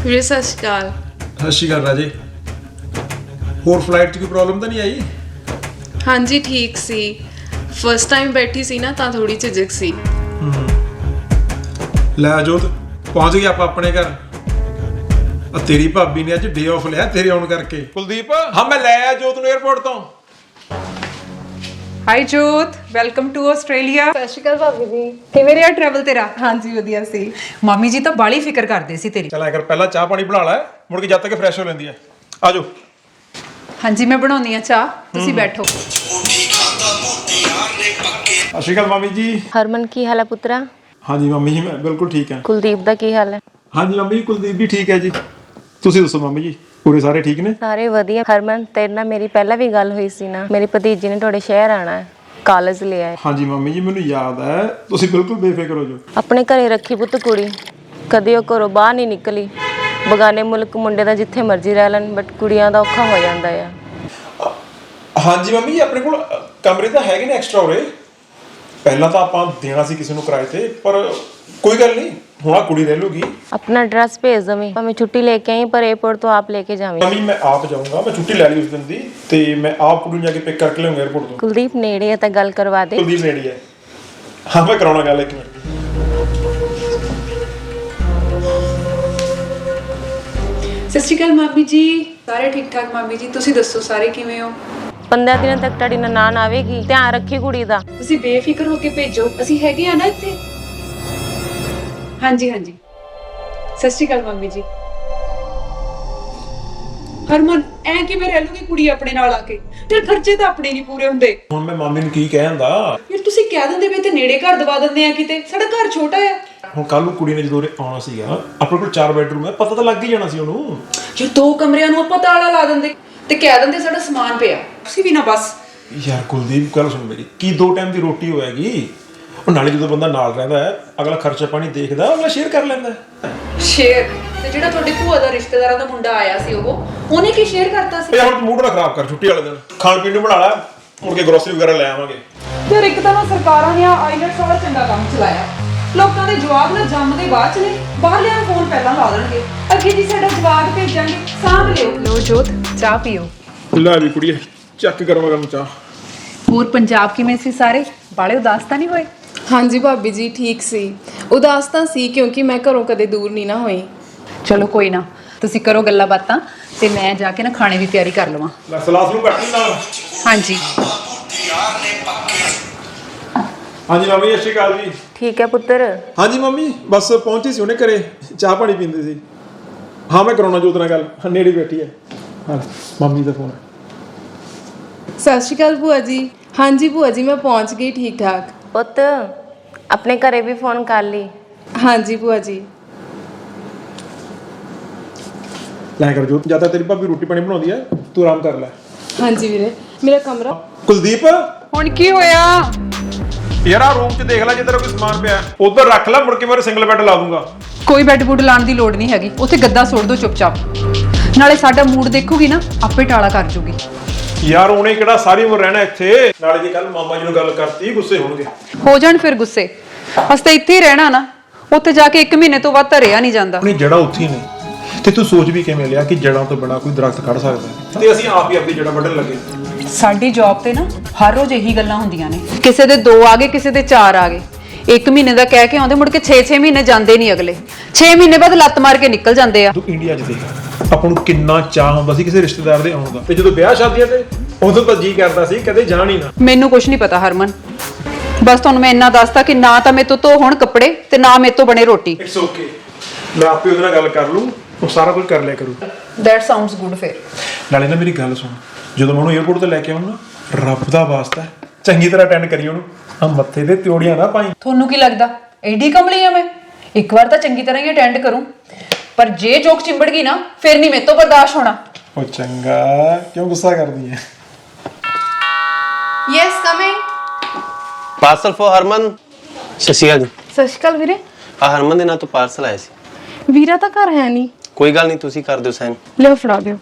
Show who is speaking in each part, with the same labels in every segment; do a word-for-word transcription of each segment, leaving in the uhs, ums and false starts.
Speaker 1: ਵੀਰੇ ਸਤਿ ਸ਼੍ਰੀ ਅਕਾਲ।
Speaker 2: ਸਤਿ ਸ਼੍ਰੀ ਅਕਾਲ ਰਾਜੇ। ਹੋਰ ਫਲਾਈਟ 'ਚ ਕੋਈ ਪ੍ਰੋਬਲਮ ਤਾਂ ਨਹੀਂ ਆਈ?
Speaker 1: ਹਾਂਜੀ ਠੀਕ ਸੀ। ਫਸਟ ਟਾਈਮ ਬੈਠੀ ਸੀ ਨਾ ਤਾਂ ਥੋੜੀ ਝਿਜਕ ਸੀ।
Speaker 2: ਲੈ ਜੋਤ ਪਹੁੰਚ ਗਏ ਆਪਾਂ ਆਪਣੇ ਘਰ। ਆ ਤੇਰੀ ਭਾਬੀ ਨੇ ਅੱਜ ਡੇ ਆਫ ਲਿਆ ਤੇਰੇ ਆਉਣ ਕਰਕੇ। ਕੁਲਦੀਪ ਹਾਂ ਮੈਂ ਲੈ ਆਇਆ ਜੋਤ ਨੂੰ 에ਅਰਪੋਰਟ ਤੋਂ।
Speaker 3: ਹਾਈ ਜੋਤ, ਵੈਲਕਮ ਟੂ ਆਸਟ੍ਰੇਲੀਆ।
Speaker 1: ਸਤਿ ਸ਼੍ਰੀ ਅਕਾਲ ਭਾਬੀ ਜੀ।
Speaker 3: ਕਿਵੇਂ ਰਿਹਾ ਟਰੈਵਲ ਤੇਰਾ?
Speaker 1: ਹਾਂਜੀ ਵਧੀਆ ਸੀ।
Speaker 3: ਮਾਮੀ ਜੀ ਤਾਂ ਬਾਲੀ ਫਿਕਰ ਕਰਦੇ ਸੀ ਤੇਰੀ।
Speaker 2: ਚੱਲ ਐ ਕਰ ਪਹਿਲਾਂ ਚਾਹ ਪਾਣੀ ਬਣਾ ਲੈ, ਮੁੜ ਕੇ ਜਦ ਤੱਕ ਫਰੈਸ਼ ਹੋ ਲੈਂਦੀ ਐ। ਆ ਜਾਓ।
Speaker 3: ਹਾਂਜੀ ਮੈਂ ਬਣਾਉਣੀ ਆ ਚਾਹ, ਤੁਸੀਂ ਬੈਠੋ।
Speaker 2: ਸਤਿ ਸ਼੍ਰੀ ਅਕਾਲ ਮਾਮੀ ਜੀ।
Speaker 4: ਹਰਮਨ ਕੀ ਹਾਲ ਹੈ ਪੁੱਤਰਾ?
Speaker 2: ਹਾਂਜੀ ਮੰਮੀ ਜੀ ਮੈਂ ਬਿਲਕੁਲ ਠੀਕ ਹਾਂ।
Speaker 4: ਕੁਲਦੀਪ ਦਾ ਕੀ ਹਾਲ ਹੈ?
Speaker 2: ਹਾਂਜੀ ਮੰਮੀ ਜੀ ਕੁਲਦੀਪ ਵੀ ਠੀਕ ਹੈ ਜੀ। ਤੁਸੀਂ ਦੱਸੋ ਮੰਮੀ ਜੀ ਪੂਰੇ ਸਾਰੇ ਠੀਕ ਨੇ?
Speaker 4: ਸਾਰੇ ਵਧੀਆ। ਹਰਮਨ ਤੇਰੇ ਨਾਲ ਮੇਰੀ ਪਹਿਲਾਂ ਵੀ ਗੱਲ ਹੋਈ ਸੀ ਨਾ, ਮੇਰੀ ਭਤੀਜੀ ਨੇ ਤੁਹਾਡੇ ਸ਼ਹਿਰ ਆਣਾ ਹੈ, ਕਾਲਜ ਲਿਆ ਹੈ।
Speaker 2: ਹਾਂਜੀ ਮੰਮੀ ਜੀ ਮੈਨੂੰ ਯਾਦ ਹੈ, ਤੁਸੀਂ ਬਿਲਕੁਲ ਬੇਫਿਕਰ ਹੋ ਜਾਓ।
Speaker 4: ਆਪਣੇ ਘਰੇ ਰੱਖੀ ਪੁੱਤ ਕੁੜੀ, ਕਦੇ ਉਹ ਘਰੋਂ ਬਾਹਰ ਨਹੀਂ ਨਿਕਲੀ। ਬਗਾਨੇ ਮੁਲਕ ਮੁੰਡੇ ਦਾ ਜਿੱਥੇ ਮਰਜ਼ੀ ਰਹਿ ਲੈਣ, ਬਟ ਕੁੜੀਆਂ ਦਾ ਔਖਾ ਹੋ ਜਾਂਦਾ ਆ।
Speaker 2: ਹਾਂਜੀ ਮੰਮੀ ਜੀ ਆਪਣੇ ਕੋਲ ਕਮਰੇ ਤਾਂ ਹੈਗੇ ਨੇ ਐਕਸਟਰਾ ਉਰੇ। ਪਹਿਲਾਂ ਤਾਂ ਆਪਾਂ ਦੇਣਾ ਸੀ ਕਿਸੇ ਨੂੰ ਕਿਰਾਏ ਤੇ, ਪਰ ਕੋਈ ਗੱਲ ਨਹੀਂ ਹੁਣ ਆ ਕੁੜੀ ਰਹਿ ਲੂਗੀ।
Speaker 4: ਆਪਣਾ ਐਡਰੈਸ ਭੇਜ ਦਵੀਂ, ਭਾਵੇਂ ਛੁੱਟੀ ਲੈ ਕੇ ਆਈ ਪਰ 에어ਪੋਰਟ ਤੋਂ ਆਪ ਲੈ ਕੇ ਜਾਵੀਂ।
Speaker 2: ਮੰਮੀ ਮੈਂ ਆਪ ਜਾਊਂਗਾ, ਮੈਂ ਛੁੱਟੀ ਲੈ ਲਈ ਉਸ ਦਿਨ ਦੀ ਤੇ ਮੈਂ ਆਪ ਕੁੜੀ ਨੂੰ ਜਾ ਕੇ ਪਿਕ ਕਰਕੇ ਲਿਆਉਂਗਾ 에어ਪੋਰਟ ਤੋਂ।
Speaker 4: ਕੁਲਦੀਪ ਨੇੜੇ ਹੈ ਤਾਂ ਗੱਲ ਕਰਵਾ ਦੇ।
Speaker 2: ਕੁਲਦੀਪ ਨੇੜੀ ਹੈ। ਹਾਂ ਮੈਂ ਕਰਾਉਣਾ ਗੱਲ ਇੱਕ ਮਿੰਟ।
Speaker 3: ਸਤਿ ਸ਼੍ਰੀ ਅਕਾਲ ਮਾਮੀ ਜੀ। ਸਾਰੇ ਠੀਕ ਠਾਕ ਮਾਮੀ ਜੀ, ਤੁਸੀਂ ਦੱਸੋ ਸਾਰੇ ਕਿਵੇਂ ਹੋ?
Speaker 4: ਪੰਦਰਾਂ ਦਿਨਾਂ ਤੱਕ ਤੁਹਾਡੀ ਨਨਾਣ ਆਵੇਗੀ, ਧਿਆਨ ਰੱਖੀ ਕੁੜੀ ਦਾ।
Speaker 3: ਤੁਸੀਂ ਬੇਫਿਕਰ ਹੋ ਕੇ ਭੇਜੋ, ਅਸੀਂ ਹੈਗੇ ਆ ਨਾ ਇੱਥੇ। ਹਾਂਜੀ ਹਾਂਜੀ ਸਤਿ ਸ਼੍ਰੀ ਅਕਾਲ ਮਾਮੀ ਜੀ। ਹਰਮਨ ਐ ਕਿਵੇਂ ਰਹਿ ਲੂਗੀ ਕੁੜੀ ਆਪਣੇ ਨਾਲ ਆ ਕੇ? ਤੇ ਖਰਚੇ ਤਾਂ ਆਪਣੇ ਨਹੀਂ ਪੂਰੇ ਹੁੰਦੇ।
Speaker 2: ਹੁਣ ਮੈਂ ਮਾਮੀ ਨੂੰ ਕੀ ਕਹਿ ਜਾਂਦਾ?
Speaker 3: ਯਾਰ ਤੁਸੀਂ ਕਹਿ ਦਿੰਦੇ ਵੀ ਤੇ ਨੇੜੇ ਘਰ ਦਵਾ ਦਿੰਦੇ ਆ ਕਿਤੇ, ਸਾਡਾ ਘਰ ਛੋਟਾ ਆ।
Speaker 2: ਹੁਣ ਕੱਲ ਨੂੰ ਕੁੜੀ ਨੇ ਜਦੋਂ ਉਰੇ ਆਉਣਾ ਸੀਗਾ, ਆਪਣੇ ਕੋਲ ਚਾਰ ਬੈਡਰੂਮ ਹੈ, ਪਤਾ ਤਾਂ ਲੱਗ ਹੀ ਜਾਣਾ ਸੀ ਉਹਨੂੰ।
Speaker 3: ਯਾਰ ਦੋ ਕਮਰਿਆਂ ਨੂੰ ਆਪਾਂ ਤਾਲਾ ਲਾ ਦਿੰਦੇ ਤੇ ਕਹਿ ਦਿੰਦੇ ਸਾਡਾ ਸਮਾਨ ਪਿਆ, ਤੁਸੀਂ ਵੀ ਨਾ ਬਸ।
Speaker 2: ਯਾਰ ਕੁਲਦੀਪ ਗੱਲ ਸੁਣ ਮੇਰੀ, ਕੀ ਦੋ ਟਾਈਮ ਦੀ ਰੋਟੀ ਹੋਏਗੀ? ਉਹ ਨਾਲੇ ਜਦੋਂ ਬੰਦਾ ਨਾਲ ਰਹਿੰਦਾ ਹੈ, ਅਗਲਾ ਖਰਚਾ ਪਾਣੀ ਦੇਖਦਾ, ਅਗਲਾ ਸ਼ੇਅਰ ਕਰ ਲੈਂਦਾ ਹੈ।
Speaker 3: ਸ਼ੇਅਰ? ਤੇ ਜਿਹੜਾ ਤੁਹਾਡੀ ਭੂਆ ਦਾ ਰਿਸ਼ਤੇਦਾਰਾਂ ਦਾ ਮੁੰਡਾ ਆਇਆ ਸੀ, ਉਹ ਉਹਨੇ ਕੀ ਸ਼ੇਅਰ ਕਰਤਾ ਸੀ?
Speaker 2: ਯਾਰ ਹੁਣ ਮੂਡ ਨਾ ਖਰਾਬ ਕਰ, ਛੁੱਟੀ ਵਾਲੇ ਦਿਨ ਖਾਣ ਪੀਣ ਨੂੰ ਬਣਾ ਲੈ, ਮੁੜ ਕੇ ਗਰੋਸਰੀ ਵਗੈਰਾ ਲੈ ਆਵਾਂਗੇ।
Speaker 3: ਯਾਰ ਇੱਕ ਤਾਂ ਨਾ ਸਰਕਾਰਾਂ ਨੇ ਆਈਲੈਟਸ ਵਾਲਾ ਚੰਗਾ ਕੰਮ ਚਲਾਇਆ, ਲੋਕਾਂ ਦੇ ਜਵਾਬ ਨਾ ਜੰਮਦੇ ਬਾਅਦ ਚ ਨੇ, ਬਾਹਰਲਿਆਂ ਨੂੰ ਫੋਨ ਪਹਿਲਾਂ ਲਾ ਦੇਣਗੇ। ਅੱਗੇ ਜੀ ਸਾਡਾ ਜਵਾਬ ਭੇਜਾਂਗੇ, ਸਾਂਭ ਲਿਓ। ਲੋ ਜੋਤ ਚਾਹ ਪੀਓ।
Speaker 2: ਲੈ ਵੀ ਕੁੜੀਏ ਚੱਕ ਗਰਮਾ ਗਰਮ ਚਾਹ।
Speaker 3: ਹੋਰ ਪੰਜਾਬ ਕਿਵੇਂ ਸੀ ਸਾਰੇ? ਬਾਲੇ ਉਦਾਸ ਤਾਂ ਨਹੀਂ ਹੋਏ?
Speaker 1: ਹਾਂਜੀ ਭਾਬੀ ਜੀ ਠੀਕ ਸੀ। ਉਦਾਸ ਤਾਂ ਸੀ ਕਿਉਂਕਿ ਮੈਂ ਘਰੋਂ ਕਦੇ ਦੂਰ ਨਹੀਂ ਨਾ ਹੋਈ।
Speaker 3: ਚਲੋ ਕੋਈ ਨਾ, ਤੁਸੀਂ ਕਰੋ ਗੱਲਾਂ ਬਾਤਾਂ ਤੇ ਮੈਂ ਜਾ ਕੇ ਨਾ ਖਾਣੇ ਦੀ ਤਿਆਰੀ ਕਰ ਲਵਾਂ।
Speaker 2: ਲੈ ਸਲਾਦ ਨੂੰ ਕੱਟ ਲਈ ਨਾਲ।
Speaker 3: ਹਾਂਜੀ
Speaker 2: ਹਾਂਜੀ ਮੰਮੀ ਸਤਿ ਸ਼੍ਰੀ ਅਕਾਲ ਜੀ।
Speaker 4: ਠੀਕ ਹੈ ਪੁੱਤਰ।
Speaker 2: ਹਾਂਜੀ ਮੰਮੀ ਬਸ ਪਹੁੰਚੀ ਸੀ ਉਹਨੇ ਘਰੇ, ਚਾਹ ਪਾਣੀ ਪੀਂਦੇ ਸੀ। ਹਾਂ ਮੈਂ ਕਰਾਉਣਾ ਜੋਤ ਨਾਲ ਗੱਲ, ਨੇੜੇ ਬੈਠੀ ਹੈ। ਹਾਂ ਮੰਮੀ ਦਾ ਫੋਨ ਹੈ।
Speaker 1: ਸਤਿ ਸ਼੍ਰੀ ਅਕਾਲ ਭੂਆ ਜੀ। ਹਾਂਜੀ ਭੂਆ ਜੀ ਮੈਂ ਪਹੁੰਚ ਗਈ ਠੀਕ ਠਾਕ।
Speaker 4: ਪੁੱਤ ਆਪਣੇ ਘਰੇ ਵੀ ਫੋਨ ਕਰ ਲਈ।
Speaker 1: ਹਾਂਜੀ ਭੂਆ ਜੀ।
Speaker 2: ਲੈ ਕਰ ਜੋਤ, ਜਿਆਦਾ ਤੇਰੀ ਭਾਬੀ ਰੋਟੀ ਪਾਣੀ ਬਣਾਉਂਦੀ ਹੈ, ਤੂੰ ਆਰਾਮ ਕਰ ਲੈ।
Speaker 1: ਹਾਂਜੀ ਵੀਰੇ ਮੇਰਾ ਕਮਰਾ।
Speaker 2: ਕੁਲਦੀਪ
Speaker 3: ਹੁਣ ਕੀ ਹੋਇਆ?
Speaker 2: ਯਾਰ ਆ ਰੂਮ 'ਚ ਦੇਖ ਲੈ, ਜੇ ਤੇਰਾ ਕੋਈ ਸਮਾਨ ਪਿਆ ਉਧਰ ਰੱਖ ਲੈ, ਮੁੜ ਕੇ ਮੈਂ ਸਿੰਗਲ ਬੈੱਡ ਲਾ ਦੂੰਗਾ।
Speaker 3: ਕੋਈ ਬੈੱਡ ਬੁੱਡ ਲਾਉਣ ਦੀ ਲੋੜ ਨਹੀਂ ਹੈਗੀ, ਉੱਥੇ ਗੱਦਾ ਸੁੱਟ ਦੋ ਚੁੱਪਚਾਪ। ਨਾਲੇ ਸਾਡਾ ਮੂਡ ਦੇਖੂਗੀ ਨਾ, ਆਪੇ ਟਾਲਾ ਕਰ ਜੂਗੀ।
Speaker 2: ਯਾਰ ਉਹਨੇ ਕਿਹੜਾ ਸਾਰੀ ਉਮਰ ਰਹਿਣਾ ਇੱਥੇ? ਨਾਲੇ ਜੇ ਕੱਲ ਮਾਮਾ ਜੀ ਨੂੰ ਗੱਲ ਕਰਤੀ ਗੁੱਸੇ ਹੋਣਗੇ।
Speaker 3: ਹੋ ਜਾਣ ਫਿਰ ਗੁੱਸੇ, ਅਸੀਂ ਤਾਂ ਇੱਥੇ ਹੀ ਰਹਿਣਾ ਨਾ, ਉੱਥੇ ਜਾ ਕੇ ਇੱਕ ਮਹੀਨੇ ਤੋਂ ਵੱਧ ਧਰਿਆ ਨਹੀਂ ਜਾਂਦਾ।
Speaker 2: ਆਪਣੀ ਜੜ੍ਹਾਂ ਉੱਥੇ ਹੀ ਨੇ, ਤੇ ਤੂੰ ਸੋਚ ਵੀ ਕਿਵੇਂ ਲਿਆ ਕਿ ਜੜ੍ਹਾਂ ਤੋਂ ਬਿਨਾਂ ਕੋਈ ਦਰਖਤ ਖੜ ਸਕਦਾ? ਤੇ ਅਸੀਂ ਆਪ ਹੀ ਆਪਣੀ ਜੜ੍ਹਾਂ ਵੱਢਣ ਲੱਗੇ।
Speaker 3: ਸਾਡੀ ਜੌਬ ਤੇ ਨਾ ਹਰ ਰੋਜ਼ ਇਹੀ ਗੱਲਾਂ ਹੁੰਦੀਆਂ ਨੇ, ਕਿਸੇ ਦੇ ਦੋ ਆ ਗਏ, ਕਿਸੇ ਦੇ ਚਾਰ ਆ ਗਏ। ਇੱਕ ਮਹੀਨੇ ਦਾ ਕਹਿ ਕੇ ਆਉਂਦੇ, ਮੁੜ ਕੇ ਛੇ ਛੇ ਮਹੀਨੇ ਜਾਂਦੇ ਨਹੀਂ ਅਗਲੇ। ਛੇ ਮਹੀਨੇ ਬਾਅਦ ਲੱਤ ਮਾਰ ਕੇ ਨਿਕਲ ਜਾਂਦੇ ਆ।
Speaker 2: ਤੂੰ ਇੰਡੀਆ 'ਚ ਦੇਖ, ਆਪਾਂ ਨੂੰ ਕਿੰਨਾ ਚਾਹ ਹੁੰਦਾ ਸੀ ਕਿਸੇ ਰਿਸ਼ਤੇਦਾਰ ਦੇ ਆਉਣ ਦਾ, ਤੇ ਜਦੋਂ ਵਿਆਹ ਸ਼ਾਦੀਆਂ ਤੇ ਉਦੋਂ ਤਾਂ ਜੀ ਕਰਦਾ ਸੀ ਕਦੇ ਜਾਣ ਹੀ ਨਾ।
Speaker 3: ਮੈਨੂੰ ਕੁਝ ਨਹੀਂ ਪਤਾ ਹਰਮਨ, ਬਸ ਤੁਹਾਨੂੰ ਮੈਂ ਇੰਨਾ ਦੱਸਤਾ ਕਿ ਨਾ ਤਾਂ ਮੇਰੇ ਤੋਂ ਧੋ ਹੁਣ ਕੱਪੜੇ ਤੇ ਨਾ ਮੇਰੇ ਤੋਂ ਬਣੇ ਰੋਟੀ।
Speaker 2: ਇਟਸ ਓਕੇ, ਮੈਂ ਆਪੇ ਉਹਦੇ ਨਾਲ ਗੱਲ ਕਰ ਲੂੰ, ਉਹ ਸਾਰਾ ਕੁਝ ਕਰ ਲਿਆ ਕਰੂ।
Speaker 3: That sounds good. ਫਿਰ
Speaker 2: ਨਾਲੇ ਨਾ ਮੇਰੀ ਗੱਲ ਸੁਣ, ਜਦੋਂ ਮੈਂ ਉਹਨੂੰ 에어ਪੋਰਟ ਤੇ ਲੈ ਕੇ ਆਉਣਾ, ਰੱਬ ਦਾ ਵਾਸਤਾ ਚੰਗੀ ਤਰ੍ਹਾਂ ਅਟੈਂਡ ਕਰੀ ਉਹਨੂੰ, ਆ ਮੱਥੇ ਤੇ ਤਿਉੜੀਆਂ ਨਾ ਪਾਈ।
Speaker 3: ਤੁਹਾਨੂੰ ਕੀ ਲੱਗਦਾ ਐਡੀ ਕਮਲੀ ਆ ਮੈਂ? ਇੱਕ ਵਾਰ ਤਾਂ ਚੰਗੀ ਤਰ੍ਹਾਂ ਹੀ ਅਟੈਂਡ ਕਰੂੰ, ਪਰ ਜੇ ਜੋਕ ਚਿੰਬੜ ਗਈ ਨਾ ਫਿਰ ਨਹੀਂ ਮੇਰੇ ਤੋਂ ਬਰਦਾਸ਼ਤ ਹੋਣਾ।
Speaker 2: ਉਹ ਚੰਗਾ, ਕਿਉਂ ਗੁੱਸਾ ਕਰਦੀ ਹੈ?
Speaker 1: Yes coming.
Speaker 5: Parcel for Harman. ਸਤਿ ਸ਼੍ਰੀ ਅਕਾਲ ਜੀ।
Speaker 1: ਸਤਿ ਸ਼੍ਰੀ ਅਕਾਲ ਵੀਰੇ।
Speaker 5: ਆ ਹਰਮਨ ਦੇ ਨਾਂ ਤੋਂ ਪਾਰਸਲ ਆਇਆ ਸੀ।
Speaker 1: ਵੀਰਾ ਤਾਂ ਘਰ ਹੈ ਨਹੀਂ।
Speaker 5: ਕੋਈ ਗੱਲ ਨਹੀਂ, ਤੁਸੀਂ ਕਰ ਦਿਓ ਸਾਈਨ।
Speaker 1: ਲਿਓ ਫੜਾ ਦਿਓ।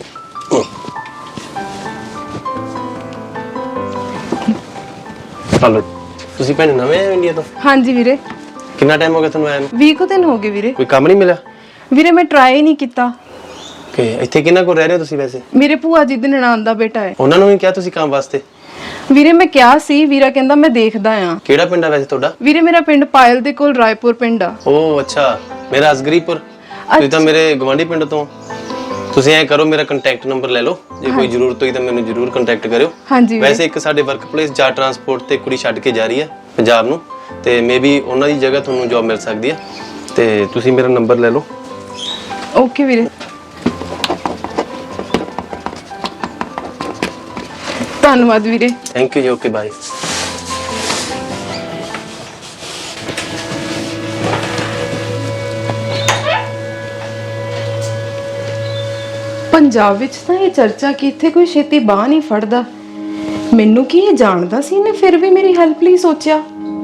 Speaker 5: ਚਲੋ ਤੁਸੀਂ ਭੈਣ ਨਵੇਂ ਆਏ ਹੋ ਇੰਡੀਆ ਤੋਂ?
Speaker 1: ਹਾਂਜੀ ਵੀਰੇ।
Speaker 5: ਕਿੰਨਾ ਟਾਈਮ ਹੋ ਗਿਆ ਤੁਹਾਨੂੰ ਆਇਆ ਨੂੰ?
Speaker 1: ਵੀਹ ਕੁ ਦਿਨ ਹੋ ਗਏ ਵੀਰੇ।
Speaker 5: ਕੋਈ ਕੰਮ ਨਹੀਂ ਮਿਲਿਆ?
Speaker 3: ਵੀਰੇ ਮੈਂ ਟਰਾਈ ਹੀ ਨਹੀਂ ਕੀਤਾ।
Speaker 5: ਕਿ ਇੱਥੇ ਕਿਹਨਾਂ ਕੋਲ ਰਹਿ ਰਹੇ ਹੋ ਤੁਸੀਂ ਵੈਸੇ?
Speaker 3: ਮੇਰੇ ਭੂਆ ਜੀ ਦੇ ਨਨਾਣ ਦਾ ਬੇਟਾ ਹੈ।
Speaker 5: ਉਹਨਾਂ ਨੂੰ ਵੀ ਕਿਹਾ ਤੁਸੀਂ ਕੰਮ ਵਾਸਤੇ?
Speaker 3: ਵੀਰੇ ਮੈਂ ਕਿਹਾ ਸੀ, ਵੀਰਾ ਕਹਿੰਦਾ ਮੈਂ ਦੇਖਦਾ ਆ।
Speaker 5: ਕਿਹੜਾ ਪਿੰਡ ਆ ਵੈਸੇ ਤੁਹਾਡਾ?
Speaker 3: ਵੀਰੇ ਮੇਰਾ ਪਿੰਡ ਪਾਇਲ ਦੇ ਕੋਲ ਰਾਏਪੁਰ ਪਿੰਡ ਆ।
Speaker 5: ਓ ਅੱਛਾ, ਮੇਰਾ ਅਸਗਰੀਪੁਰ। ਤੁਸੀਂ ਤਾਂ ਮੇਰੇ ਗਵਾਂਢੀ ਪਿੰਡ ਤੋਂ। ਤੁਸੀਂ ਐ ਕਰੋ, ਮੇਰਾ ਕੰਟੈਕਟ ਨੰਬਰ ਲੈ ਲਓ, ਜੇ ਕੋਈ ਜ਼ਰੂਰਤ ਹੋਈ ਤਾਂ ਮੈਨੂੰ ਜ਼ਰੂਰ ਕੰਟੈਕਟ ਕਰਿਓ।
Speaker 3: ਹਾਂਜੀ
Speaker 5: ਵੈਸੇ ਇੱਕ ਸਾਡੇ ਵਰਕਪਲੇਸ ਜਾ ਟਰਾਂਸਪੋਰਟ ਤੇ ਕੁੜੀ ਛੱਡ ਕੇ ਜਾ ਰਹੀ ਹੈ ਪੰਜਾਬ ਨੂੰ, ਤੇ ਮੇਬੀ ਉਹਨਾਂ ਦੀ ਜਗ੍ਹਾ ਤੁਹਾਨੂੰ ਜੌਬ ਮਿਲ ਸਕਦੀ ਹੈ, ਤੇ ਤੁਸੀਂ ਮੇਰਾ ਨੰਬਰ ਲੈ ਲਓ।
Speaker 3: ਓਕੇ ਵੀਰੇ, ਧੰਨਵਾਦ ਵੀਰੇ।
Speaker 5: ਥੈਂਕ ਯੂ ਜੀ, ਓਕੇ ਬਾਏ।
Speaker 3: ਪੰਜਾਬ ਵਿੱਚ ਤਾਂ ਇਹ ਚਰਚਾ ਕਿ ਇੱਥੇ ਕੋਈ ਛੇਤੀ ਬਾਹ ਨਹੀਂ ਫੜਦਾ। ਮੈਨੂੰ ਕੀ ਇਹ ਜਾਣਦਾ ਸੀ ਇਹਨੇ ਫਿਰ ਵੀ ਮੇਰੀ ਹੈਲਪ ਲਈ ਸੋਚਿਆ।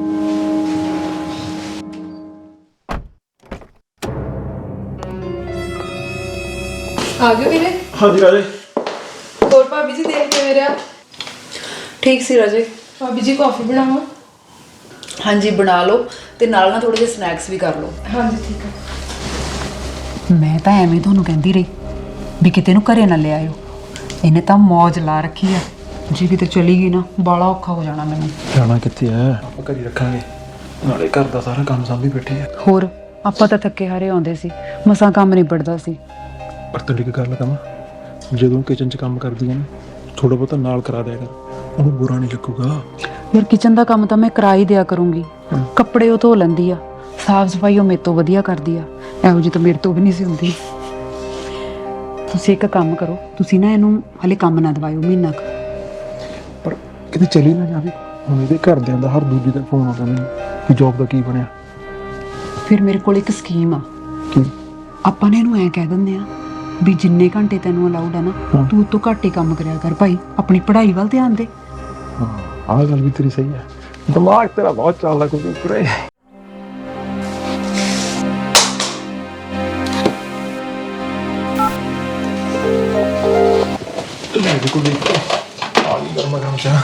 Speaker 3: ਆ ਗਏ ਵੀਰੇ?
Speaker 2: ਹਾਂਜੀ ਰਾਜੇ।
Speaker 3: ਹੋਰ ਭਾਬੀ ਜੀ ਦੇਖ ਕੇ ਮੇਰਾ
Speaker 6: ਠੀਕ ਸੀ ਰਾਜੇ।
Speaker 3: ਭਾਬੀ ਜੀ ਕਾਫੀ ਬਣਾਵਾਂ?
Speaker 6: ਹਾਂਜੀ ਬਣਾ ਲਓ, ਤੇ ਨਾਲ ਨਾ ਥੋੜੇ ਜਿਹੇ ਸਨੈਕਸ ਵੀ ਕਰ ਲਓ।
Speaker 3: ਹਾਂਜੀ ਠੀਕ ਹੈ।
Speaker 7: ਮੈਂ ਤਾਂ ਐਵੇਂ ਤੁਹਾਨੂੰ ਕਹਿੰਦੀ ਰਹੀ ਵੀ ਕਿਤੇ ਨੂੰ ਘਰੇ ਨਾ ਲਿਆਇਓ। ਇਹਨੇ ਤਾਂ ਮੌਜ ਲਾ ਰੱਖੀ ਆ, ਜੇ ਕਿਤੇ ਚਲੀ ਗਈ ਨਾ ਬਾਲਾ ਔਖਾ ਹੋ ਜਾਣਾ ਮੈਨੂੰ।
Speaker 2: ਜਾਣਾ ਕਿੱਥੇ ਐ, ਆਪਾਂ ਘਰ ਹੀ ਰੱਖਾਂਗੇ, ਨਾਲੇ ਘਰ ਦਾ ਸਾਰਾ ਕੰਮ ਸੰਭੀ ਬੈਠੇ ਆ।
Speaker 7: ਹੋਰ ਆਪਾਂ ਤਾਂ ਥੱਕੇ ਹਾਰੇ ਆਉਂਦੇ ਸੀ, ਮਸਾਂ ਕੰਮ ਨਿਬੜਦਾ ਸੀ।
Speaker 2: ਪਰ ਤੇਰੀ ਇੱਕ ਗੱਲ ਕਹਾਂ, ਜਦੋਂ ਕਿਚਨ 'ਚ ਕੰਮ ਕਰਦੀ ਆ ਨਾ, ਥੋੜਾ ਬਹੁਤਾ ਨਾਲ ਕਰਾ ਦਿਆ ਕਰ, ਉਹਨੂੰ ਬੁਰਾ ਨਹੀਂ ਲੱਗੂਗਾ।
Speaker 7: ਯਾਰ ਕਿਚਨ ਦਾ ਕੰਮ ਤਾਂ ਮੈਂ ਕਰਾ ਹੀ ਦਿਆ ਕਰੂੰਗੀ, ਕੱਪੜੇ ਉਹ ਧੋ ਲੈਂਦੀ ਆ, ਸਾਫ ਸਫਾਈ ਉਹ ਮੇਰੇ ਤੋਂ ਵਧੀਆ ਕਰਦੀ ਆ, ਇਹੋ ਜਿਹੀ ਤਾਂ ਮੇਰੇ ਤੋਂ ਵੀ ਨਹੀਂ ਸੀ ਹੁੰਦੀ। ਤੁਸੀਂ ਇੱਕ ਕੰਮ ਕਰੋ, ਤੁਸੀਂ ਨਾ ਇਹਨੂੰ ਹਲੇ ਕੰਮ ਨਾ ਦਵਾਇਓ ਮਹੀਨਾ ਕੁ।
Speaker 2: ਪਰ ਕਿਤੇ ਚਲੀ ਨਾ ਜਾਵੇ। ਹੁਣ ਇਹਦੇ ਘਰਦਿਆਂ ਦਾ ਹਰ ਦੂਜੇ ਦਿਨ ਫੋਨ ਆਉਂਦਾ ਮੈਨੂੰ ਕਿ ਜੌਬ ਦਾ ਕੀ ਬਣਿਆ।
Speaker 7: ਫਿਰ ਮੇਰੇ ਕੋਲ ਇੱਕ ਸਕੀਮ ਆ।
Speaker 2: ਕੀ?
Speaker 7: ਆਪਾਂ ਨੇ ਇਹਨੂੰ ਐਂ ਕਹਿ ਦਿੰਦੇ ਆ ਵੀ ਜਿੰਨੇ ਘੰਟੇ ਤੈਨੂੰ ਅਲਾਉਡ ਆ ਨਾ, ਤੂੰ ਉਹ ਤੋਂ ਘੱਟ ਹੀ ਕੰਮ ਕਰਿਆ ਕਰ ਭਾਈ, ਆਪਣੀ ਪੜ੍ਹਾਈ ਵੱਲ ਧਿਆਨ ਦੇ।
Speaker 2: ਹਾਂ, ਆਹ ਗੱਲ ਵੀ ਤੇਰੀ ਸਹੀ ਹੈ। ਦਿਮਾਗ ਤੇਰਾ ਬਹੁਤ ਚੱਲਦਾ ਕੋਈ ਪੂਰੇ। ਦੇਖੋ ਦੇਖੋ ਆ ਗਈ ਗਰਮਾ ਗਰਮ ਚਾਹ।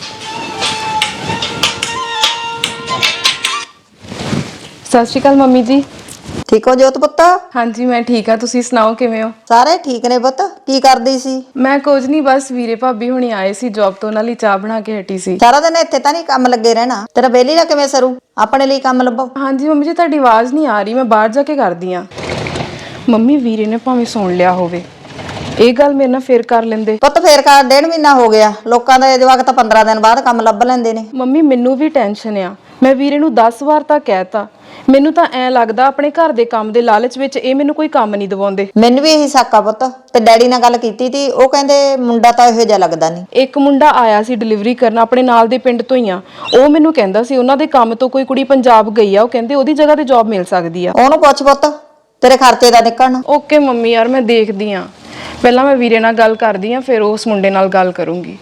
Speaker 3: ਸਤਿ ਸ਼੍ਰੀ ਅਕਾਲ ਮੰਮੀ ਜੀ।
Speaker 8: ਠੀਕ ਹੋ ਜੋਤ ਪੁੱਤ?
Speaker 3: ਹਾਂਜੀ ਮੈਂ ਠੀਕ ਆ, ਤੁਸੀਂ ਸੁਣਾਓ ਕਿਵੇਂ ਹੋ?
Speaker 8: ਸਾਰੇ ਠੀਕ ਨੇ ਪੁੱਤ। ਕੀ ਕਰਦੀ ਸੀ?
Speaker 3: ਮੈਂ ਕੁਝ ਨਹੀਂ, ਬਸ ਵੀਰੇ ਭਾਬੀ ਹੁਣੀ ਆਏ ਸੀ ਜੌਬ ਤੋਂ, ਉਹਨਾਂ ਲਈ ਚਾਹ ਬਣਾ ਕੇ ਹਟੀ ਸੀ।
Speaker 8: ਸਾਰਾ ਦਿਨ ਇੱਥੇ ਤਾਂ ਨਹੀਂ ਕੰਮ ਲੱਗੇ ਰਹਿਣਾ, ਤੇਰਾ ਵਿਹਲੀ ਦਾ ਕਿਵੇਂ ਸਰੂ? ਆਪਣੇ ਲਈ ਕੰਮ ਲੱਭੋ।
Speaker 3: ਹਾਂਜੀ ਮੰਮੀ ਜੀ, ਤੁਹਾਡੀ ਆਵਾਜ਼ ਨਹੀਂ ਆ ਰਹੀ, ਮੈਂ ਬਾਹਰ ਜਾ ਕੇ ਕਰਦੀ ਆ। ਮੰਮੀ ਵੀਰੇ ਨੇ ਭਾਵੇਂ ਸੁਣ ਲਿਆ ਹੋਵੇ, ਇਹ ਗੱਲ ਮੇਰੇ ਨਾਲ ਫੇਰ ਕਰ ਲੈਂਦੇ।
Speaker 8: ਪੁੱਤ ਫੇਰ ਕਰ, ਡੇਢ ਮਹੀਨਾ ਹੋ ਗਿਆ, ਲੋਕਾਂ ਦੇ ਜਵਾਕ ਤਾਂ ਪੰਦਰਾਂ ਦਿਨ ਬਾਅਦ ਕੰਮ ਲੱਭ ਲੈਂਦੇ ਨੇ।
Speaker 3: ਮੰਮੀ ਮੈਨੂੰ ਵੀ ਟੈਨਸ਼ਨ ਆ, ਮੈਂ ਵੀਰੇ ਨੂੰ ਦਸ ਵਾਰ ਤਾਂ ਕਹਿਤਾ, ਮੈਨੂੰ ਤਾਂ ਐ ਲੱਗਦਾ ਆਪਣੇ ਘਰ ਦੇ ਕੰਮ ਦੇ ਲਾਲਚ ਵਿੱਚ ਇਹ ਮੈਨੂੰ ਕੋਈ ਕੰਮ ਨਹੀਂ ਦਿਵਾਉਂਦੇ।
Speaker 8: ਮੈਨੂੰ ਵੀ ਇਹੀ ਸ਼ੱਕ ਆ ਪੁੱਤ, ਤੇ ਡੈਡੀ ਨਾਲ ਗੱਲ ਕੀਤੀ ਤੀ, ਉਹ ਕਹਿੰਦੇ ਮੁੰਡਾ ਤਾਂ ਇਹੋ ਜਿਹਾ ਲੱਗਦਾ ਨਹੀਂ।
Speaker 3: ਇੱਕ ਮੁੰਡਾ ਆਇਆ ਸੀ ਡਿਲੀਵਰੀ ਕਰਨ, ਆਪਣੇ ਨਾਲ ਦੇ ਪਿੰਡ ਤੋਂ ਹੀ ਆ, ਉਹ ਮੈਨੂੰ ਕਹਿੰਦਾ ਸੀ ਉਹਨਾਂ ਦੇ ਕੰਮ ਤੋਂ ਕੋਈ ਕੁੜੀ ਪੰਜਾਬ ਗਈ ਆ, ਉਹ ਕਹਿੰਦੇ ਉਹਦੀ ਜਗ੍ਹਾ ਤੇ ਜੌਬ ਮਿਲ ਸਕਦੀ ਆ।
Speaker 8: ਉਹਨੂੰ ਪੁੱਛ ਪੁੱਤ, ਤੇਰੇ ਖਰਚੇ ਦਾ ਨਿਕਲਣ।
Speaker 3: ਓਕੇ ਮੰਮੀ, ਯਾਰ ਮੈਂ ਦੇਖਦੀ ਆ, ਪਹਿਲਾਂ ਮੈਂ ਵੀਰੇ ਨਾਲ ਗੱਲ ਕਰਦੀ ਆ, ਫਿਰ ਉਸ ਮੁੰਡੇ ਨਾਲ ਗੱਲ ਕਰੂੰਗੀ।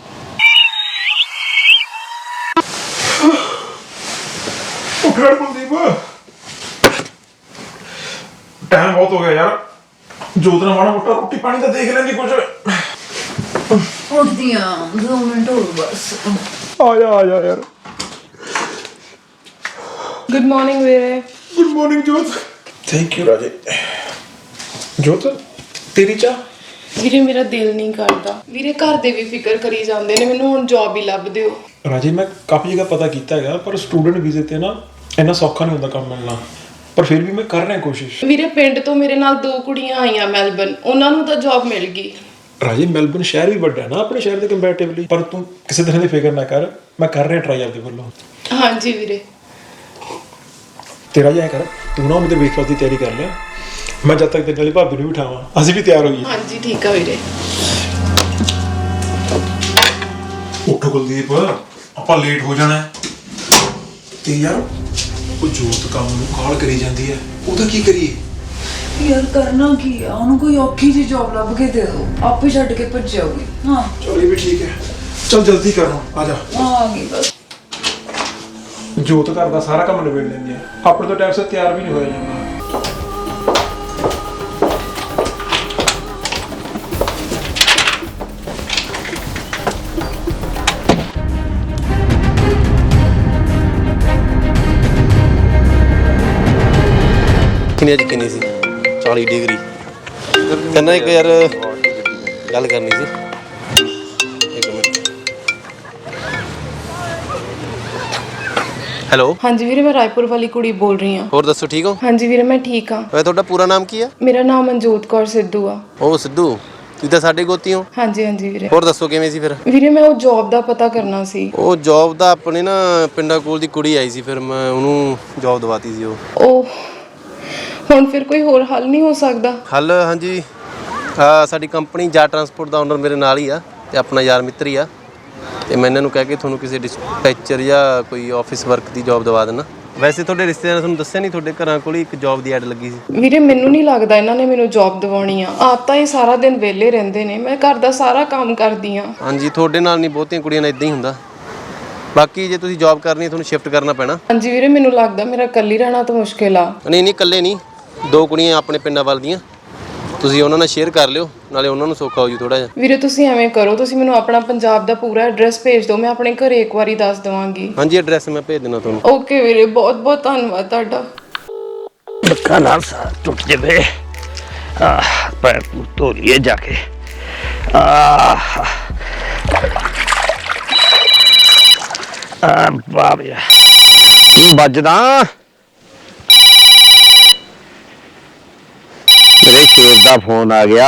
Speaker 2: ਉਠੜ ਕੁਲਦੀਪ, ਟਾਈਮ ਬਹੁਤ ਹੋ ਗਿਆ ਯਾਰ। ਜੋਤ ਨਾਲ ਮਾੜਾ ਮੋਟਾ ਰੋਟੀ ਪਾਣੀ ਤਾਂ ਦੇਖ ਲੈਂਦੀ ਕੁਝ।
Speaker 6: ਉੱਠਦੀ ਆ, ਦੋ ਮਿੰਟ ਹੋਰ ਬਸ।
Speaker 2: ਆ ਜਾ ਆ ਜਾ ਯਾਰ।
Speaker 3: ਗੁੱਡ ਮਾਰਨਿੰਗ ਵੀਰੇ।
Speaker 2: Good morning Jot. Thank you ਰਾਜੇ। ਜੋਤ ਤੇਰੀ ਚਾਹ?
Speaker 3: ਵੀਰੇ ਮੇਰਾ ਦਿਲ ਨਹੀਂ ਕਰਦਾ, ਵੀਰੇ ਘਰ ਦੇ ਵੀ ਫਿਕਰ ਕਰੀ ਜਾਂਦੇ ਨੇ, ਮੈਨੂੰ ਹੁਣ ਜੌਬ ਹੀ ਲੱਭ ਦਿਓ।
Speaker 2: ਰਾਜੇ ਮੈਂ ਕਾਫੀ ਜਗ੍ਹਾ ਪਤਾ ਕੀਤਾ ਹੈਗਾ, ਪਰ ਸਟੂਡੈਂਟ ਵੀਜ਼ੇ ਤੇ ਨਾ ਇੰਨਾ ਸੌਖਾ ਨਹੀਂ ਹੁੰਦਾ ਕੰਮ ਮਿਲਣਾ, ਪਰ ਫਿਰ ਵੀ ਮੈਂ ਕਰ ਰਿਹਾ ਕੋਸ਼ਿਸ਼।
Speaker 3: ਵੀਰੇ ਪਿੰਡ ਤੋਂ ਮੇਰੇ ਨਾਲ ਦੋ ਕੁੜੀਆਂ ਆਈਆਂ ਮੈਲਬਨ, ਉਹਨਾਂ ਨੂੰ ਤਾਂ ਜੌਬ ਮਿਲ ਗਈ।
Speaker 2: ਰਾਜੇ ਮੈਲਬਨ ਸ਼ਹਿਰ ਵੀ ਵੱਡਾ ਹੈ ਨਾ ਆਪਣੇ ਸ਼ਹਿਰ ਦੇ ਕੰਪੈਰੀਟਿਵਲੀ, ਪਰ ਤੂੰ ਕਿਸੇ ਤਰ੍ਹਾਂ ਦੀ ਫਿਕਰ ਨਾ ਕਰ, ਮੈਂ ਕਰ ਰਿਹਾ ਟਰਾਈ ਆਪਦੇ ਵੱਲੋਂ।
Speaker 3: ਹਾਂਜੀ ਵੀਰੇ।
Speaker 2: ਤੇਰਾ ਜਿਹਾ ਕਰ, ਤੂੰ ਨਾ ਉਹਦੇ ਬ੍ਰੇਕਫਾਸਟ ਦੀ ਤਿਆਰੀ ਕਰ ਲੈ, ਮੈਂ ਜਦ ਤੱਕ ਤੇਰੇ ਨਾਲ ਭਾਬੀ ਨੂੰ ਬਿਠਾਵਾਂ, ਅਸੀਂ ਵੀ ਤਿਆਰ ਹੋਈਏ।
Speaker 3: ਹਾਂਜੀ ਠੀਕ ਆ ਵੀਰੇ।
Speaker 2: ਉੱਠੋ ਕੁਲਦੀਪ, ਆਪਾਂ ਲੇਟ ਹੋ ਜਾਣਾ ਹੈ। ਤੇ ਯਾਰ ਉਹ ਜੋਤ ਕੰਮ ਨੂੰ ਕਾਲ ਕਰੀ ਜਾਂਦੀ ਹੈ, ਉਹਦਾ ਕੀ ਕਰੀਏ?
Speaker 6: ਯਾਰ ਕਰਨਾ ਕੀ ਆ, ਉਹਨੂੰ ਕੋਈ ਔਖੀ ਜਿਹੀ ਜੌਬ ਲੱਭ ਕੇ ਦੇ ਦਿਓ, ਆਪੇ ਛੱਡ ਕੇ ਭੱਜ ਜਾਊਗੀ। ਹਾਂ
Speaker 2: ਚਲ ਇਹ ਵੀ ਠੀਕ ਹੈ, ਚਲ ਜਲਦੀ ਕਰੋ, ਆ ਜਾ।
Speaker 6: ਆ ਗਈ ਬਸ।
Speaker 2: ਜੋਤ ਘਰ ਦਾ ਸਾਰਾ ਕੰਮ ਨਿਬੇੜ ਲੈਂਦੀ ਹੈ, ਆਪਣੇ ਤੋਂ ਟਾਈਮ ਸਿਰ ਤਿਆਰ ਵੀ ਨਹੀਂ ਹੋਇਆ ਜਾਂਦਾ।
Speaker 5: ਕਿੰਨੀ ਅੱਜ ਕਿੰਨੀ ਸੀ? ਵਾਲੀ ਡਿਗਰੀ ਕਹਿੰਦਾ ਇੱਕ ਯਾਰ ਗੱਲ ਕਰਨੀ ਸੀ। ਇੱਕ ਮਿੰਟ। ਹੈਲੋ,
Speaker 1: ਹਾਂਜੀ ਵੀਰੇ, ਮੈਂ ਰਾਏਪੁਰ ਵਾਲੀ ਕੁੜੀ ਬੋਲ ਰਹੀ ਹਾਂ।
Speaker 5: ਹੋਰ ਦੱਸੋ ਠੀਕ ਹੋ?
Speaker 1: ਹਾਂਜੀ ਵੀਰੇ, ਮੈਂ ਠੀਕ ਹਾਂ।
Speaker 5: ਵੈਸੇ ਤੁਹਾਡਾ ਪੂਰਾ ਨਾਮ ਕੀ ਆ?
Speaker 1: ਮੇਰਾ ਨਾਮ ਮਨਜੋਤ ਕੌਰ ਸਿੱਧੂ ਆ।
Speaker 5: ਉਹ ਸਿੱਧੂ, ਤੁਸੀਂ ਤਾਂ ਸਾਡੇ ਗੋਤੀ ਹੋ।
Speaker 1: ਹਾਂਜੀ ਹਾਂਜੀ ਵੀਰੇ।
Speaker 5: ਹੋਰ ਦੱਸੋ ਕਿਵੇਂ ਸੀ ਫਿਰ?
Speaker 1: ਵੀਰੇ ਮੈਂ ਉਹ ਜੌਬ ਦਾ ਪਤਾ ਕਰਨਾ ਸੀ।
Speaker 5: ਉਹ ਜੌਬ ਦਾ ਆਪਣੇ ਨਾ ਪਿੰਡਾਂ ਕੋਲ ਦੀ ਕੁੜੀ ਆਈ ਸੀ, ਫਿਰ ਮੈਂ ਉਹਨੂੰ ਜੌਬ ਦਵਾਤੀ ਸੀ। ਉਹ
Speaker 1: ਉਹ ਹੁਣ ਫਿਰ ਕੋਈ ਹੋਰ ਹੱਲ ਨਹੀਂ ਹੋ ਸਕਦਾ?
Speaker 5: ਹੱਲ, ਹਾਂਜੀ, ਆ ਸਾਡੀ ਕੰਪਨੀ ਜਾ ਟਰਾਂਸਪੋਰਟ ਦਾ ਓਨਰ ਮੇਰੇ ਨਾਲ ਹੀ ਆ ਤੇ ਆਪਣਾ ਯਾਰ ਮਿੱਤਰ ਹੀ ਆ, ਤੇ ਮੈਂ ਇਹਨਾਂ ਨੂੰ ਕਹਿ ਕੇ ਤੁਹਾਨੂੰ ਕਿਸੇ ਡਿਸਪੈਚਰ ਜਾਂ ਕੋਈ ਆਫਿਸ ਵਰਕ ਦੀ ਜੌਬ ਦਵਾ ਦੇਣਾ। ਵੈਸੇ ਤੁਹਾਡੇ ਰਿਸ਼ਤੇਦਾਰਾਂ ਨੇ ਤੁਹਾਨੂੰ ਦੱਸਿਆ ਨਹੀਂ ਤੁਹਾਡੇ ਘਰਾਂ ਕੋਲ ਹੀ ਇੱਕ ਜੌਬ ਦੀ ਐਡ ਲੱਗੀ ਸੀ?
Speaker 1: ਵੀਰੇ ਮੈਨੂੰ ਨਹੀਂ ਲੱਗਦਾ ਇਹਨਾਂ ਨੇ ਮੈਨੂੰ ਜੌਬ ਦਿਵਾਉਣੀ ਆ। ਆਪ ਤਾਂ ਇਹ ਸਾਰਾ ਦਿਨ ਵਿਹਲੇ ਰਹਿੰਦੇ ਨੇ, ਮੈਂ ਘਰ ਦਾ ਸਾਰਾ ਕੰਮ ਕਰਦੀ ਆ।
Speaker 5: ਹਾਂਜੀ, ਤੁਹਾਡੇ ਨਾਲ ਨਹੀਂ, ਬਹੁਤੀਆਂ ਕੁੜੀਆਂ ਨਾਲ ਇਦਾਂ ਹੀ ਹੁੰਦਾ। ਬਾਕੀ ਜੇ ਤੁਸੀਂ ਜੌਬ ਕਰਨੀ ਹੈ ਤੁਹਾਨੂੰ ਸ਼ਿਫਟ ਕਰਨਾ ਪੈਣਾ।
Speaker 1: ਹਾਂਜੀ ਵੀਰੇ, ਮੈਨੂੰ ਲੱਗਦਾ ਮੇਰਾ ਇਕੱਲੀ ਰਹਿਣਾ ਤਾਂ ਮੁਸ਼ਕਿਲ ਆ।
Speaker 5: ਨਹੀਂ ਨਹੀਂ, ਇਕੱਲੇ ਨਹੀਂ, ਦੋ ਕੁੜੀਆਂ ਆਪਣੇ ਪਿੰਡਾਂ ਵੱਲ ਦੀਆਂ, ਤੁਸੀਂ ਉਹਨਾਂ ਨਾਲ ਸ਼ੇਅਰ ਕਰ ਲਿਓ, ਨਾਲੇ ਉਹਨਾਂ ਨੂੰ ਸੌਖਾ ਹੋ ਜੂ ਥੋੜਾ ਜਿਹਾ।
Speaker 1: ਵੀਰੇ ਤੁਸੀਂ ਐਵੇਂ ਕਰੋ, ਤੁਸੀਂ ਮੈਨੂੰ ਆਪਣਾ ਪੰਜਾਬ ਦਾ ਪੂਰਾ ਐਡਰੈਸ ਭੇਜ ਦਿਓ, ਮੈਂ ਆਪਣੇ ਘਰੇ ਇੱਕ ਵਾਰੀ ਦੱਸ ਦਵਾਂਗੀ।
Speaker 5: ਹਾਂਜੀ, ਐਡਰੈਸ ਮੈਂ ਭੇਜ ਦੇਣਾ ਤੁਹਾਨੂੰ।
Speaker 1: ਓਕੇ ਵੀਰੇ, ਬਹੁਤ ਬਹੁਤ ਧੰਨਵਾਦ ਤੁਹਾਡਾ।
Speaker 9: ਧੱਕਾ ਨਾਲ ਸਾਹ ਟੁੱਟ ਜਾਵੇ। ਆਹ ਪੈਰ ਪੂਰ ਧੋ ਲਈਏ ਜਾ ਕੇ। ਆਹ ਆ ਬਾਬਿਆ ਵੱਜਦਾ ਮੇਰੇ ਸ਼ੇਰ ਦਾ ਫੋਨ ਆ ਗਿਆ।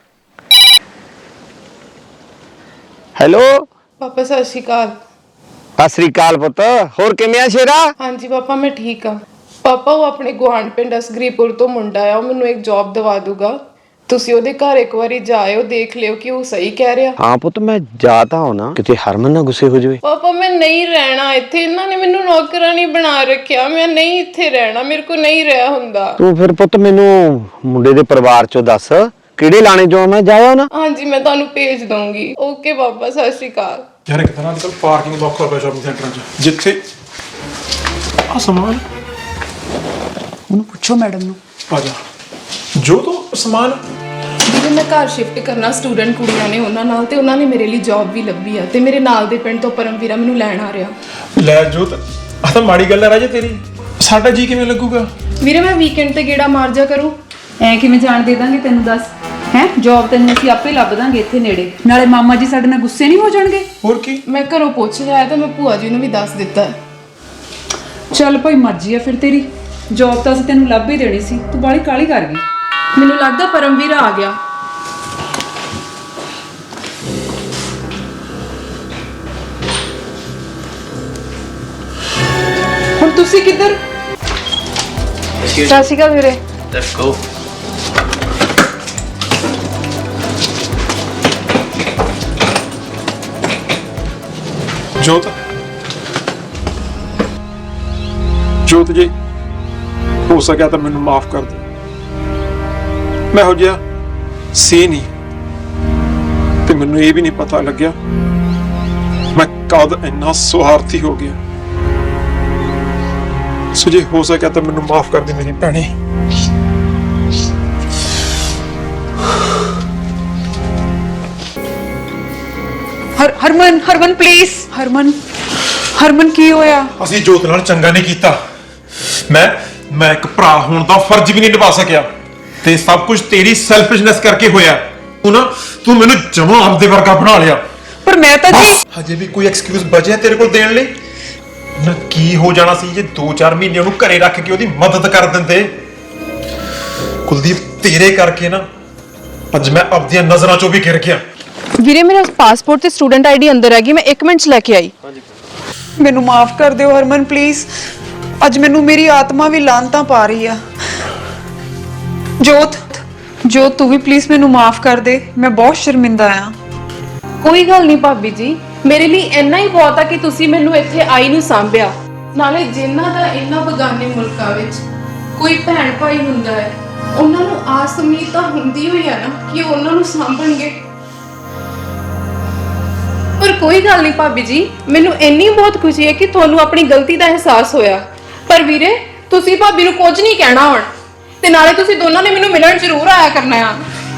Speaker 9: ਹੈਲੋ
Speaker 1: ਪਾਪਾ ਸਤਿ ਸ਼੍ਰੀ ਅਕਾਲ।
Speaker 9: ਸਤਿ ਸ੍ਰੀ ਅਕਾਲ ਪੁੱਤ, ਹੋਰ ਕਿਵੇਂ ਆ ਸ਼ੇਰਾ?
Speaker 1: ਹਾਂਜੀ ਪਾਪਾ, ਮੈਂ ਠੀਕ ਆ। ਪਾਪਾ ਉਹ ਆਪਣੇ ਗੁਆਂਢ ਪਿੰਡ ਅਸਗਰੀਪੁਰ ਤੋਂ ਮੁੰਡਾ ਆ, ਉਹ ਮੈਨੂੰ ਇੱਕ ਜੌਬ ਦਵਾ ਦੂਗਾ। ਤੁਸੀਂ ਉਹਦੇ ਘਰ ਇੱਕ ਵਾਰੀ ਜਾਇਓ, ਦੇਖ ਲਿਓ ਕਿ ਉਹ ਸਹੀ ਕਹਿ ਰਿਹਾ।
Speaker 9: ਹਾਂ ਪੁੱਤ, ਮੈਂ ਜਾ ਤਾਂ ਹੋਣਾ, ਕਿਤੇ ਹਰਮਨ ਨਾ ਗੁੱਸੇ ਹੋ ਜਾਵੇ।
Speaker 1: ਪਾਪਾ ਮੈਂ ਨਹੀਂ ਰਹਿਣਾ ਇੱਥੇ, ਇਹਨਾਂ ਨੇ ਮੈਨੂੰ ਨੌਕਰਾਨੀ ਬਣਾ ਰੱਖਿਆ, ਮੈਂ ਨਹੀਂ ਇੱਥੇ ਰਹਿਣਾ, ਮੇਰੇ ਕੋਲ ਨਹੀਂ ਰਹਿ ਹੁੰਦਾ।
Speaker 9: ਤੂੰ ਫਿਰ ਪੁੱਤ ਮੈਨੂੰ ਮੁੰਡੇ ਦੇ ਪਰਿਵਾਰ ਚੋਂ ਦੱਸ ਕਿਹੜੇ ਲਾਣੇ ਚੋਂ ਮੈਂ ਜਾਇਆ ਨਾ।
Speaker 1: ਹਾਂਜੀ ਮੈਂ ਤੁਹਾਨੂੰ ਭੇਜ ਦਊਂਗੀ। ਓਕੇ ਪਾਪਾ, ਸਤਿ ਸ਼੍ਰੀ ਅਕਾਲ।
Speaker 2: ਯਾਰ ਇੱਕ ਤਰ੍ਹਾਂ ਅੱਜ ਕੱਲ੍ਹ ਪਾਰਕਿੰਗ ਦਾ ਔਖਾ ਪਿਆ ਸ਼ਾਪਿੰਗ ਸੈਂਟਰਾਂ 'ਚ, ਜਿੱਥੇ ਆ ਸਮਾਨ।
Speaker 7: ਉਹਨੂੰ ਪੁੱਛੋ ਮੈਡਮ ਨੂੰ।
Speaker 2: ਆ ਜਾ ਜੋ ਤੂੰ ਸਮਾਨ।
Speaker 1: ਵੀਰੇ ਮੈਂ ਘਰ ਸ਼ਿਫਟ ਕਰਨਾ, ਸਟੂਡੈਂਟ ਕੁੜੀਆਂ ਨੇ ਉਹਨਾਂ ਨਾਲ, ਤੇ ਉਹਨਾਂ ਨੇ ਮੇਰੇ ਲਈ ਜੌਬ ਵੀ ਲੱਭੀ ਆ, ਤੇ ਮੇਰੇ ਨਾਲ ਦੇ ਪਿੰਡ ਤੋਂ ਪਰਮਵੀਰਾ ਮੈਨੂੰ ਲੈਣ ਆ ਰਿਹਾ।
Speaker 2: ਲੈ ਜੋਤ, ਆ ਤਾਂ ਮਾੜੀ ਗੱਲ ਹੈ ਰਾਜੇ ਤੇਰੀ, ਸਾਡਾ ਜੀ ਕਿਵੇਂ ਲੱਗੂਗਾ?
Speaker 1: ਵੀਰੇ ਮੈਂ ਵੀਕਐਂਡ ਤੇ ਗੇੜਾ ਮਾਰ ਜਾ ਕਰੂੰ।
Speaker 7: ਐ ਕਿਵੇਂ ਜਾਣ ਦੇ ਦਾਂਗੇ ਤੈਨੂੰ, ਦੱਸ ਹੈ? ਜੌਬ ਤੈਨੂੰ ਅਸੀਂ ਆਪੇ ਲੱਭ ਦਾਂਗੇ ਇੱਥੇ ਨੇੜੇ, ਨਾਲੇ ਮਾਮਾ ਜੀ ਸਾਡੇ ਨਾਲ ਗੁੱਸੇ ਨਹੀਂ ਹੋ ਜਾਣਗੇ।
Speaker 2: ਹੋਰ ਕੀ,
Speaker 1: ਮੈਂ ਘਰੋਂ ਪੁੱਛ ਲਿਆ ਤਾਂ ਮੈਂ ਭੂਆ ਜੀ ਨੂੰ ਵੀ ਦੱਸ ਦਿੱਤਾ।
Speaker 7: ਚੱਲ ਭਾਈ ਮਰਜ਼ੀ ਆ ਫਿਰ ਤੇਰੀ, ਜੌਬ ਤਾਂ ਅਸੀਂ ਤੈਨੂੰ ਲੱਭ ਹੀ ਦੇਣੀ ਸੀ, ਤੂੰ ਬਾਹਲੀ ਕਾਹਲੀ ਕਰ ਗਈ।
Speaker 1: ਮੈਨੂੰ ਲੱਗਦਾ ਪਰਮਵੀਰਾ ਆ ਗਿਆ।
Speaker 3: ਹੁਣ ਤੁਸੀਂ ਕਿੱਧਰ?
Speaker 1: ਸਤਿ ਸ਼੍ਰੀ ਅਕਾਲ ਵੀਰੇ।
Speaker 5: Let's go.
Speaker 2: ਜੋਤ ਜੋਤ ਜੀ, ਹੋ ਸਕਿਆ ਤਾਂ ਮੈਨੂੰ ਮਾਫ ਕਰ ਦੇ। ਮੈਂ ਹੋ ਜਿਹਾ ਸੀ ਨਹੀਂ, ਤੇ ਮੈਨੂੰ ਇਹ ਵੀ ਨਹੀਂ ਪਤਾ ਲੱਗਿਆ ਮੈਂ ਕਦ ਇੰਨਾ ਸੁਆਰਥੀ ਹੋ ਗਿਆ। ਸੋ ਜੇ ਹੋ ਸਕਿਆ ਤਾਂ ਮੈਨੂੰ ਮਾਫ ਕਰ ਦੇ ਮੇਰੀ ਭੈਣੇ।
Speaker 7: ਹਰ ਹਰਮਨ ਹਰਮਨ ਪਲੀਜ਼, ਹਰਮਨ ਹਰਮਨ ਕੀ ਹੋਇਆ?
Speaker 2: ਅਸੀਂ ਜੋਤ ਨਾਲ ਚੰਗਾ ਨਹੀਂ ਕੀਤਾ। ਮੈਂ ਮੈਂ ਇੱਕ ਭਰਾ ਹੋਣ ਦਾ ਫਰਜ਼ ਵੀ ਨਹੀਂ ਨਿਭਾ ਸਕਿਆ, ਤੇ ਸਭ ਕੁਝ ਤੇਰੀ ਸੈਲਫਿਸ਼ਨੈਸ ਕਰਕੇ ਹੋਇਆ। ਤੂੰ ਨਾ ਤੂੰ ਮੈਨੂੰ ਜਮਾਂ ਆਪਦੇ ਵਰਗਾ ਬਣਾ ਲਿਆ।
Speaker 7: ਪਰ ਮੈਂ ਤਾਂ ਜੀ
Speaker 2: ਹਜੇ ਵੀ ਕੋਈ ਐਕਸਕਿਊਜ਼ ਬਚਿਆ ਤੇਰੇ ਕੋਲ ਦੇਣ ਲਈ? ਨਾ ਕੀ ਹੋ ਜਾਣਾ ਸੀ ਜੇ ਦੋ ਚਾਰ ਮਹੀਨੇ ਉਹਨੂੰ ਘਰੇ ਰੱਖ ਕੇ ਉਹਦੀ ਮਦਦ ਕਰ ਦਿੰਦੇ? ਕੁਲਦੀਪ, ਤੇਰੇ ਕਰਕੇ ਨਾ ਅੱਜ ਮੈਂ ਆਪਦੀਆਂ ਨਜ਼ਰਾਂ ਚੋਂ ਵੀ ਗਿਰ ਗਿਆ।
Speaker 3: ਵੀਰੇ ਮੇਰਾ ਪਾਸਪੋਰਟ ਤੇ ਸਟੂਡੈਂਟ ਆਈਡੀ ਅੰਦਰ ਹੈਗੀ, ਮੈਂ ਇੱਕ ਮਿੰਟ ਚ ਲੈ ਕੇ ਆਈ। ਮੈਨੂੰ ਮਾਫ ਕਰ ਦਿਓ ਹਰਮਨ ਪਲੀਜ਼, ਅੱਜ ਮੈਨੂੰ ਮੇਰੀ ਆਤਮਾ ਵੀ ਲਾਂਤਾਂ ਪਾ ਰਹੀ ਆ। ਜੋਤ ਜੋਤ ਤੂੰ ਵੀ ਪਲੀਜ਼ ਮੈਨੂੰ ਮਾਫ ਕਰ ਦੇ, ਮੈਂ ਬਹੁਤ ਸ਼ਰਮਿੰਦਾ ਆ।
Speaker 1: ਕੋਈ ਗੱਲ ਨਹੀਂ ਭਾਬੀ ਜੀ, ਮੇਰੇ ਲਈ ਇੰਨਾ ਹੀ ਬਹੁਤ ਆ ਕਿ ਤੁਸੀਂ ਮੈਨੂੰ ਇੱਥੇ ਆਈ ਨੂੰ ਸਾਂਭਿਆ। ਨਾਲੇ ਜਿਨ੍ਹਾਂ ਦਾ ਇੰਨਾ ਬਗਾਨੇ ਮੁਲਕਾਂ ਵਿੱਚ ਕੋਈ ਭੈਣ ਭਾਈ ਹੁੰਦਾ ਹੈ, ਉਹਨਾਂ ਨੂੰ ਆਸ ਉਮੀਦ ਤਾਂ ਹੁੰਦੀ ਹੋਈ ਆ ਨਾ ਕਿ ਉਹ ਉਹਨਾਂ ਨੂੰ ਸਾਂਭਣਗੇ। ਪਰ ਕੋਈ ਗੱਲ ਨਹੀਂ ਭਾਬੀ ਜੀ, ਮੈਨੂੰ ਇੰਨੀ ਬਹੁਤ ਖੁਸ਼ੀ ਹੈ ਕਿ ਤੁਹਾਨੂੰ ਆਪਣੀ ਗਲਤੀ ਦਾ ਅਹਿਸਾਸ ਹੋਇਆ। ਪਰ ਵੀਰੇ ਤੁਸੀਂ ਭਾਬੀ ਨੂੰ ਕੁਝ ਨਹੀਂ ਕਹਿਣਾ ਹੁਣ, ਤੇ ਨਾਲੇ ਤੁਸੀਂ ਦੋਨਾਂ ਨੇ ਮੈਨੂੰ ਮਿਲਣ ਜ਼ਰੂਰ ਆਇਆ ਕਰਨਾ ਆ।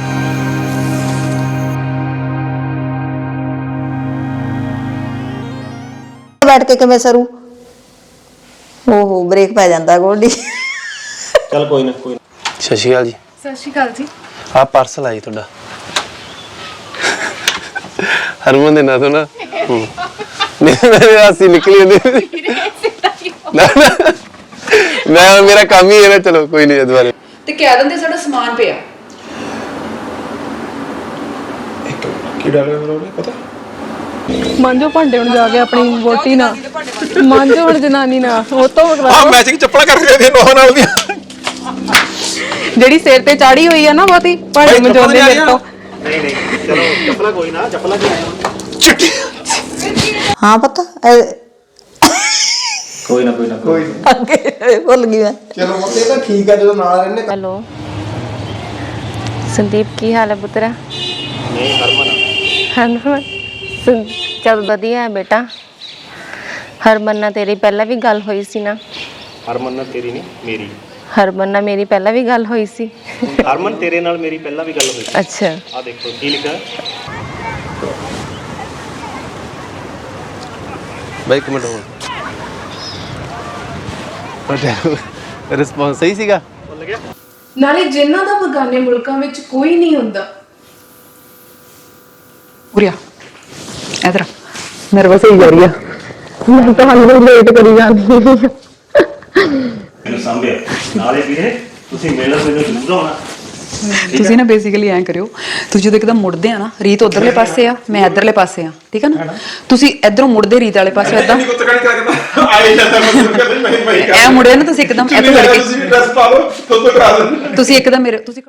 Speaker 8: ਬੈਠ ਕੇ ਕਿਵੇਂ ਸਰੂ? ਓਹੋ ਬ੍ਰੇਕ ਪੈ ਜਾਂਦਾ ਗੋਡੀ।
Speaker 5: ਚੱਲ ਕੋਈ ਨਾ ਕੋਈ ਨਾ। ਸਤਿ ਸ਼੍ਰੀ ਅਕਾਲ ਜੀ।
Speaker 1: ਸਤਿ ਸ਼੍ਰੀ ਅਕਾਲ ਜੀ।
Speaker 5: ਆ ਪਾਰਸਲ ਆਈ ਤੁਹਾਡਾ ਹਰਮਨ ਦੇ ਨਾਂ ਤੋਂ ਨਾ ਹੂੰ। ਮੇਰੇ ਹਾਸੀ ਨਿਕਲੀ ਜਾਂਦੀ ਨਾ ਨਾ ਮੈਂ ਮੇਰਾ ਕੰਮ ਹੀ ਹੈ ਨਾ ਚਲੋ ਕੋਈ ਨਹੀਂ ਦੁਬਾਰੇ
Speaker 3: ਤੇ ਕਹਿ ਦਿੰਦੇ ਸਾਡਾ ਸਮਾਨ ਪਿਆ।
Speaker 2: ਕੀ ਡਾਲਿਆ ਮੇਰਾ ਉਹਨੇ ਪਤਾ
Speaker 1: ਮਾਂਜੋ ਭਾਂਡੇ ਹੁਣ ਜਾ ਕੇ ਆਪਣੀ ਵੋਟੀ ਨਾਲ ਮਾਂਜੋ ਹੁਣ ਜਨਾਨੀ ਨਾਲ ਉਹ ਤੋਂ
Speaker 2: ਆ ਮੈਚਿੰਗ ਚੱਪਲਾਂ ਕਰਕੇ ਦੇ ਨੋਹ ਨਾਲ ਦੀਆਂ
Speaker 1: ਜਿਹੜੀ ਸਿਰ ਤੇ ਚਾੜੀ ਹੋਈ ਆ ਨਾ ਬਹੁਤੀ ਭਾਂਡੇ ਮਜੋਦੇ ਮੇਰੇ ਤੋਂ।
Speaker 9: ਨਹੀਂ ਨਹੀਂ ਚਲੋ ਚੱਪਲਾ ਕੋਈ ਨਾ ਚੱਪਲਾ ਕੀ ਆਇਆ
Speaker 2: ਚਿੱਟੀ
Speaker 8: ਹਾਂ ਪਤਾ
Speaker 9: ਕੋਈ ਨਾ ਕੋਈ ਨਾ ਕੋਈ
Speaker 8: ਅੱਗੇ ਭੁੱਲ ਗਈ ਮੈਂ।
Speaker 5: ਚਲੋ ਮੋਤੇ ਤਾਂ ਠੀਕ ਆ ਜਦੋਂ ਨਾਲ ਰਹਿੰਦੇ
Speaker 4: ਹੈਲੋ ਸੰਦੀਪ, ਕੀ ਹਾਲ ਹੈ ਪੁੱਤਰਾ?
Speaker 9: ਨਹੀਂ ਹਰਮਨ
Speaker 4: ਹਰਮਨ ਸੁਣ ਚੱਲ ਵਧੀਆ ਹੈ ਬੇਟਾ। ਹਰਮਨ ਨਾਲ ਤੇਰੀ ਪਹਿਲਾਂ ਵੀ ਗੱਲ ਹੋਈ ਸੀ ਨਾ?
Speaker 9: ਹਰਮਨ ਨਾਲ ਤੇਰੀ ਨਹੀਂ ਮੇਰੀ
Speaker 4: ਹਰਮਨ ਨਾਲ ਮੇਰੀ ਪਹਿਲਾਂ ਵੀ ਗੱਲ ਹੋਈ ਸੀ।
Speaker 9: ਹਰਮਨ ਤੇਰੇ ਨਾਲ ਮੇਰੀ ਪਹਿਲਾਂ ਵੀ ਗੱਲ ਹੋਈ ਸੀ।
Speaker 4: ਅੱਛਾ
Speaker 9: ਆ ਦੇਖੋ ਕੀ ਲਿਖਿਆ
Speaker 5: ਬਾਈ ਇੱਕ ਮਿੰਟ ਹੋਰ ਰਿਸਪੌਂਸ ਸਹੀ ਸੀਗਾ।
Speaker 1: ਨਾਲੇ ਜਿਨ੍ਹਾਂ ਦਾ ਬਗਾਨੇ ਮੁਲਕਾਂ ਵਿੱਚ ਕੋਈ ਨਹੀਂ ਹੁੰਦਾ।
Speaker 7: ਉਰਿਆ ਇਧਰ ਨਰਵਸ ਹੋਈ ਜਾ ਰਹੀ ਆ ਮੈਂ ਤਾਂ ਹਾਲੇ ਲੇਟ ਕਰੀ ਜਾਂਦੀ
Speaker 9: ਮੈਨੂੰ ਸੰਭਿਆ ਨਾਲੇ ਵੀਰੇ ਤੁਸੀਂ ਮਿਲਣ ਮੈਨੂੰ ਜ਼ਰੂਰ ਆਉਣਾ।
Speaker 7: ਤੁਸੀਂ ਨਾ ਬੇਸਿਕਲੀ ਐਂ ਕਰਿਓ, ਤੁਸੀਂ ਜਦੋਂ ਇੱਕਦਮ ਮੁੜਦੇ ਆ ਨਾ, ਰੀਤ ਉਧਰਲੇ ਪਾਸੇ ਆ, ਮੈਂ ਇਧਰਲੇ ਪਾਸੇ ਆ, ਠੀਕ ਆ ਨਾ? ਤੁਸੀਂ ਇਧਰੋਂ ਮੁੜਦੇ ਰੀਤ ਵਾਲੇ ਪਾਸੇ ਏਦਾਂ
Speaker 2: ਨਹੀਂ ਕੁੱਤਕਣੀ ਕਰਦਾ ਆਈ ਜਾਂਦਾ ਮਤਲਬ ਕਹਿੰਦੇ ਮੈਂ ਮੈਂ
Speaker 7: ਐ ਮੁੜਿਆ ਨਾ ਤੁਸੀਂ ਇੱਕਦਮ ਇੱਥੇ ਫੜ ਕੇ
Speaker 2: ਤੁਸੀਂ ਡਰੈਸ ਪਾ ਲਓ ਤੋਂ ਤੋਂ ਕਰਾ ਦਿੰਦੇ
Speaker 7: ਤੁਸੀਂ ਇੱਕਦਮ ਮੇਰੇ ਤੁਸੀਂ